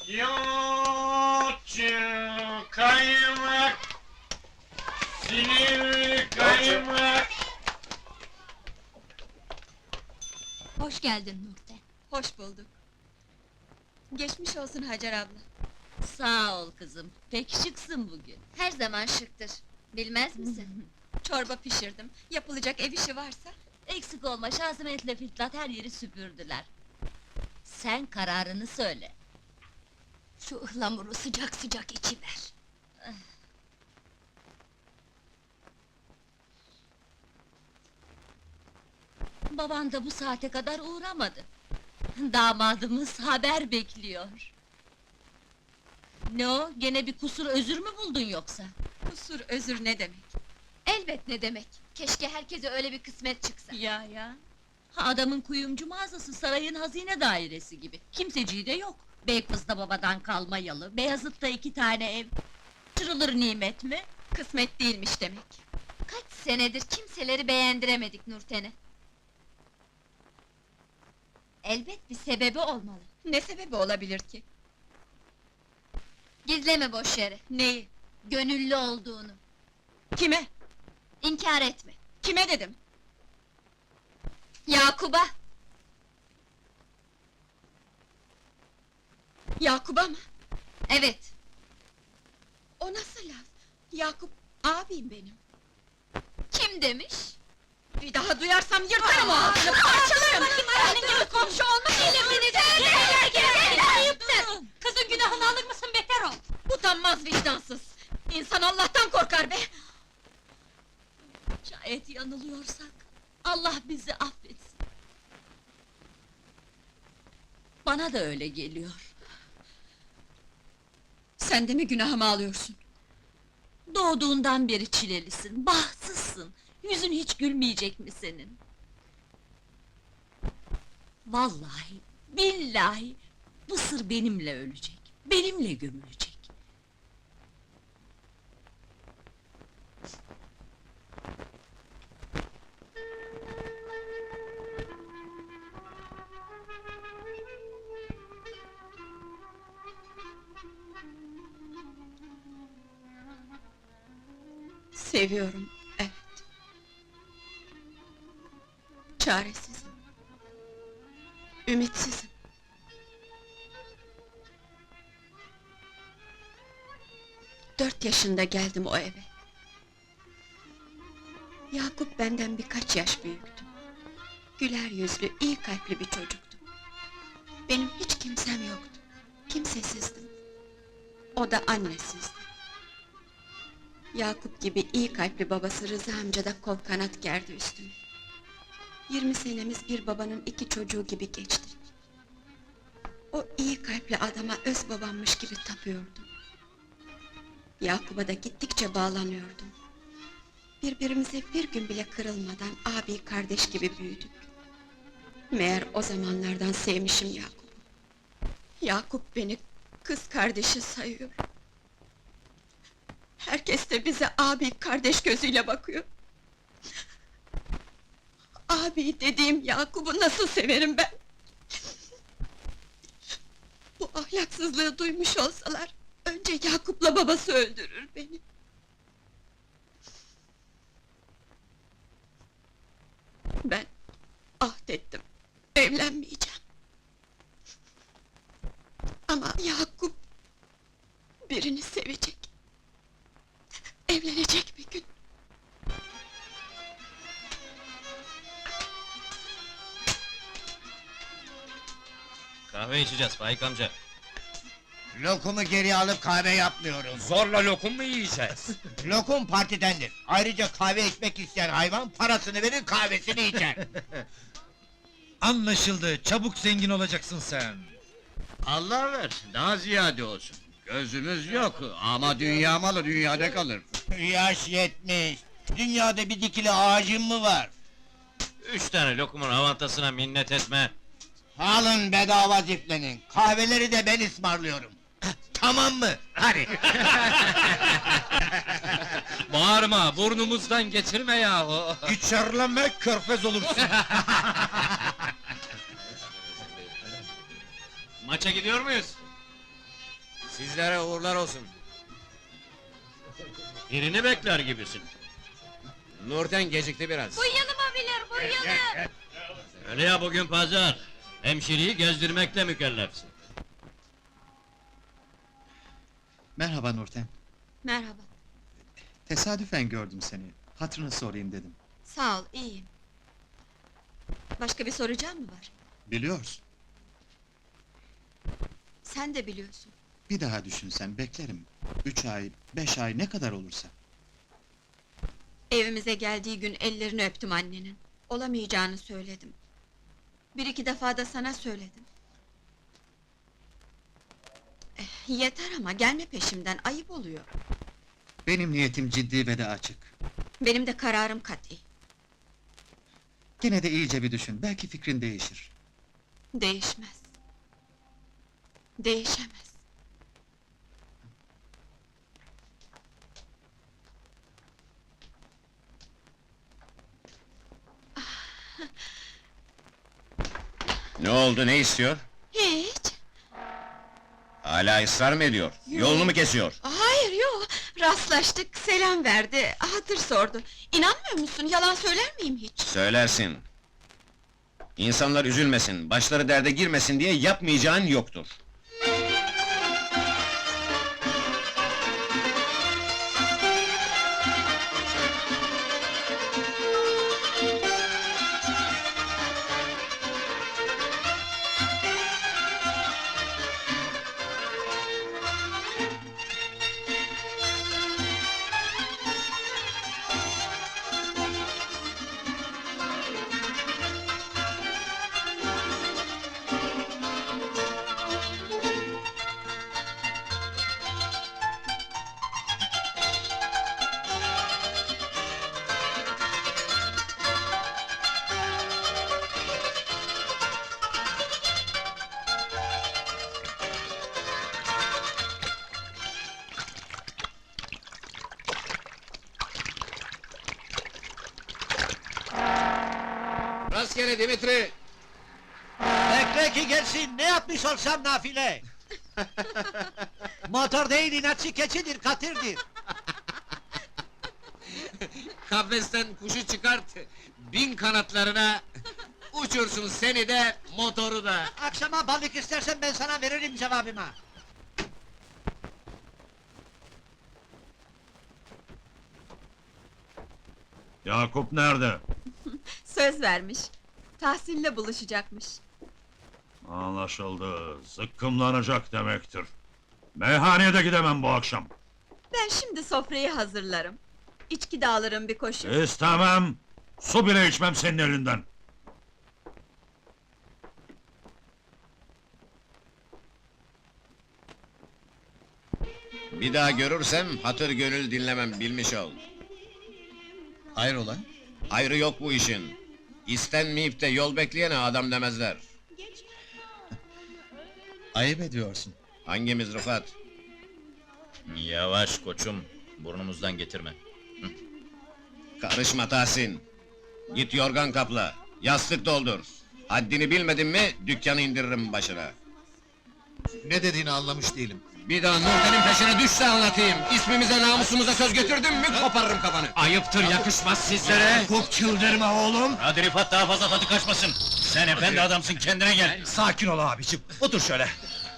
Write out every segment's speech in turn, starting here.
Yoğurtçu kaymak, Silivri kaymak. Hoş geldin Nurten. Hoş bulduk. Geçmiş olsun Hacer abla. Sağ ol kızım, pek şıksın bugün. Her zaman şıktır. Bilmez misin? Çorba pişirdim. Yapılacak ev işi varsa. Eksik olma, Şazimet'le Fitnat her yeri süpürdüler. Sen kararını söyle. Şu ıhlamuru sıcak sıcak içiver. Baban da bu saate kadar uğramadı. Damadımız haber bekliyor. Ne o, gene bir kusur özür mü buldun yoksa? Kusur özür ne demek? Elbet ne demek? Keşke herkese öyle bir kısmet çıksa. Ya! Ha, adamın kuyumcu mağazası, sarayın hazine dairesi gibi. Kimseciği de yok. Beykoz'da babadan kalma yalı, Beyazıt'ta 2 tane ev. Çırılır nimet mi? Kısmet değilmiş demek. Kaç senedir kimseleri beğendiremedik Nurten'e. Elbet bir sebebi olmalı. Ne sebebi olabilir ki? Gizleme boş yere. Neyi? Gönüllü olduğunu. Kime? İnkar etme. Kime dedim? Yakup'a! Yakup'a mı? Evet. O nasıl laf? Yakup abim benim. Kim demiş? Bir daha duyarsam yırtarım o ağzını, parçalarım! Senin gibi komşu olmuş elimini de! Ayıptır! Kızın günahını alır mısın, beter ol! Utanmaz vicdansız! İnsan Allah'tan korkar be! Şayet yanılıyorsak, Allah bizi affetsin. Bana da öyle geliyor. Sen de mi günahımı alıyorsun? Doğduğundan beri çilelisin, bahtsızsın. Yüzün hiç gülmeyecek mi senin? Vallahi, billahi, bu sır benimle ölecek, benimle gömülecek. Seviyorum, evet. Çaresizim. Ümitsizim. Dört yaşında geldim o eve. Yakup benden birkaç yaş büyüktü. Güler yüzlü, iyi kalpli bir çocuktu. Benim hiç kimsem yoktu. Kimsesizdim. O da annesizdi. Yakup gibi iyi kalpli babası Rıza amca da kol kanat gerdi üstüme. 20 senemiz bir babanın 2 çocuğu gibi geçti. O iyi kalpli adama öz babammış gibi tapıyordum. Yakup'a da gittikçe bağlanıyordum. Birbirimize bir gün bile kırılmadan abi kardeş gibi büyüdük. Meğer o zamanlardan sevmişim Yakup'u. Yakup beni kız kardeşi sayıyor. Herkes de bize abi kardeş gözüyle bakıyor. Abi dediğim Yakup'u nasıl severim ben? Bu ahlaksızlığı duymuş olsalar, önce Yakup'la babası öldürür beni. Ben ahdettim, evlenmeyeceğim. Ama Yakup birini sevecek. Evlenecek bir gün. Kahve içeceğiz Faik amca. Lokumu geri alıp kahve yapmıyoruz. Zorla lokum mu yiyeceğiz? Lokum partidendir. Ayrıca kahve içmek isteyen hayvan parasını verir kahvesini içer. Anlaşıldı, çabuk zengin olacaksın sen. Allah ver, daha ziyade olsun. Gözümüz yok ama dünya malı dünyada kalır. Yaş 70. Dünyada bir dikili ağacın mı var? 3 tane lokumun avantasına minnet etme. Alın bedava ziflenin. Kahveleri de ben ısmarlıyorum. Tamam mı? Hadi. Bağırma, burnumuzdan geçirme yahu! İçerleme körfez olursun. Maça gidiyor muyuz? Sizlere uğurlar olsun. Birini bekler gibisin. Nurten gecikti biraz. Bu yanıma bilir, bu yanı! Öyle ya, bugün pazar. Hemşireyi gezdirmekle mükellefsin. Merhaba Nurten. Merhaba, Tesadüfen gördüm seni. Hatırını sorayım dedim. sağ ol, iyiyim. Başka bir soracağım mı var? Biliyorsun. Sen de biliyorsun. Bir daha düşünsen beklerim. 3 ay, 5 ay ne kadar olursa. Evimize geldiği gün ellerini öptüm annenin. Olamayacağını söyledim. Bir iki defa da sana söyledim. Yeter ama gelme peşimden, ayıp oluyor. Benim niyetim ciddi ve de açık. Benim de kararım kat'i. Gene de iyice bir düşün, belki fikrin değişir. Değişmez. Değişemez. Ne oldu, ne istiyor? Hiç. Hala ısrar mı ediyor? Yolunu mu kesiyor? Hayır, yok. Rastlaştık, selam verdi, hatır sordu. İnanmıyor musun, yalan söyler miyim hiç? Söylersin. İnsanlar üzülmesin, başları derde girmesin diye yapmayacağın yoktur. Rastgele Dimitri! Bekle ki gelsin, ne yapmış olsam nafile! Motor değil, inatçı keçidir, katırdır! Kafesten kuşu çıkart, bin kanatlarına, uçursun seni de, motoru da! Akşama balık istersen ben sana veririm cevabımı! Yakup nerede? Söz vermiş. Tahsin'le buluşacakmış. Anlaşıldı. Zıkkımlanacak demektir. Meyhaneye de gidemem bu akşam. Ben şimdi sofrayı hazırlarım. İçki de alırım bir koşu. İstemem. Su bile içmem senin elinden. Bir daha görürsem, hatır gönül dinlemem, bilmiş ol. Hayrola? Hayrı yok bu işin. İstenmeyip de yol bekleyene adam demezler. Ayıp ediyorsun. Hangimiz Rıfat? Yavaş koçum, burnumuzdan getirme. Karışma Tahsin! Git yorgan kapla, yastık doldur! Haddini bilmedin mi, dükkanı indiririm başına! Ne dediğini anlamış değilim. Bir daha Nurten'in peşine düşse anlatayım! İsmimize, namusumuza söz götürdün mü, koparırım kafanı! Ayıptır, yakışmaz sizlere! Kop çıldırma oğlum! Hadi Rifat, daha fazla tadı kaçmasın! Sen efendi adamsın, kendine gel! Sakin ol abicim. Otur şöyle.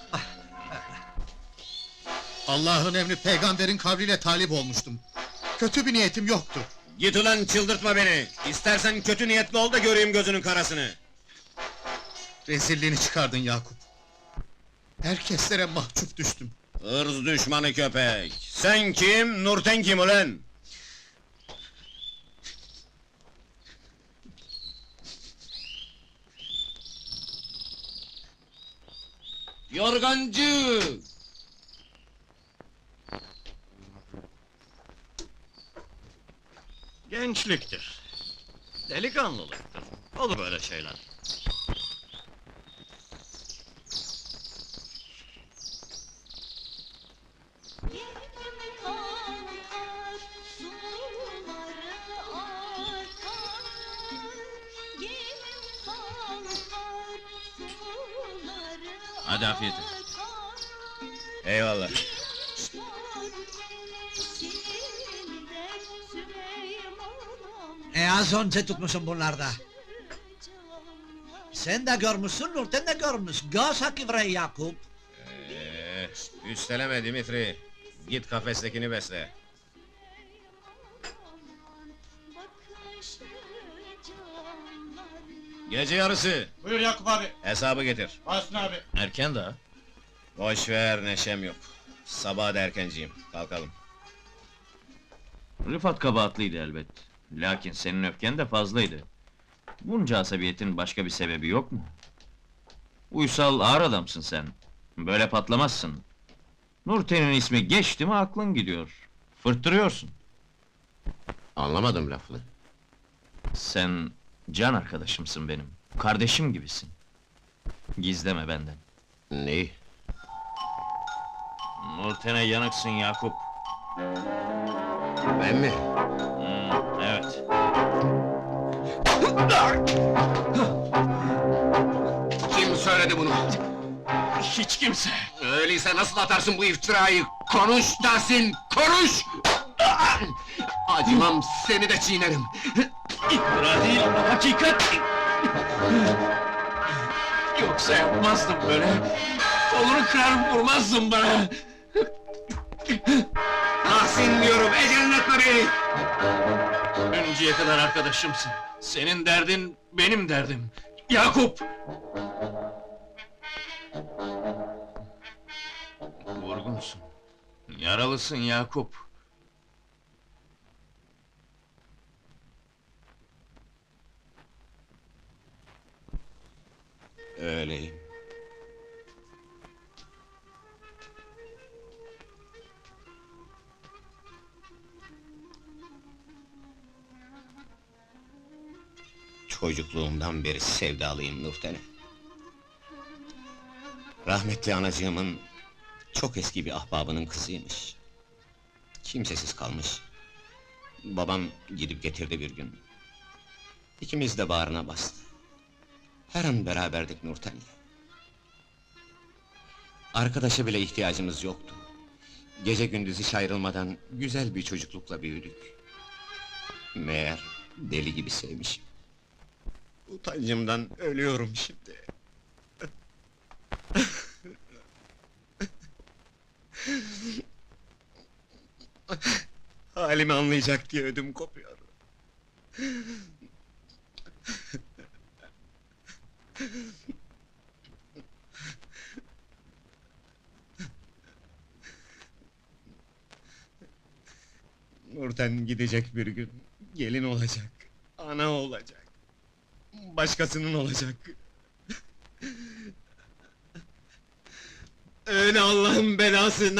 Allah'ın emri peygamberin kavliyle talip olmuştum. Kötü bir niyetim yoktu. Git ulan, çıldırtma beni! İstersen kötü niyetli ol da göreyim gözünün karasını! Rezilliğini çıkardın Yakup. Herkeslere mahcup düştüm. Hırz düşmanı köpek! Sen kim, Nurten kim ulan? Yorgancı! Gençliktir. Delikanlılıktır. Olur böyle şeyler. Hadi afiyet olsun. Eyvallah. Az önce tutmuşum bunlarda. Sen de görmüşsün, Nurten de görmüş. Göz hakkı bre Yakup. Üsteleme Dimitri. Git kafestekini besle. Gece yarısı. Buyur Yakup abi. Hesabı getir. Basın abi. Erken daha. Boş ver, neşem yok. Sabah da erkenciyim. Kalkalım. Rıfat kabahatliydi elbet. Lakin senin öfken de fazlaydı. Bunca asabiyetin başka bir sebebi yok mu? Uysal, ağır adamsın sen. Böyle patlamazsın. Nurten'in ismi geçti mi aklın gidiyor. Fırttırıyorsun. Anlamadım lafını. Sen can arkadaşımsın benim. Kardeşim gibisin. Gizleme benden. Neyi? Nurten'e yanıksın Yakup. Ben mi? Evet. Kim söyledi bunu? Hiç kimse. Öyleyse nasıl atarsın bu iftirayı? Konuş Tahsin, konuş! Acımam, seni de çiğnerim. İftira değil, hakikat! Yoksa yapmazdım böyle. Kolunu kırar vurmazdım bana. Tahsin diyorum, ecelin etme beni! Önceye kadar arkadaşımsın. Senin derdin benim derdim. Yakup! Vurgunsun. Yaralısın Yakup. Öyleyim. Çocukluğumdan beri sevdalıyım Nurten'e. Rahmetli anacığımın çok eski bir ahbabının kızıymış. Kimsesiz kalmış. Babam gidip getirdi bir gün. İkimiz de bağrına bastı. Her an beraberdik Nurten'le. Arkadaşa bile ihtiyacımız yoktu. Gece gündüz hiç ayrılmadan güzel bir çocuklukla büyüdük. Meğer deli gibi sevmişim. Utancımdan ölüyorum şimdi. Halimi anlayacak diye ödüm kopuyor. Nurten gidecek bir gün, gelin olacak, ana olacak, başkasının olacak. Öyle Allah'ın belası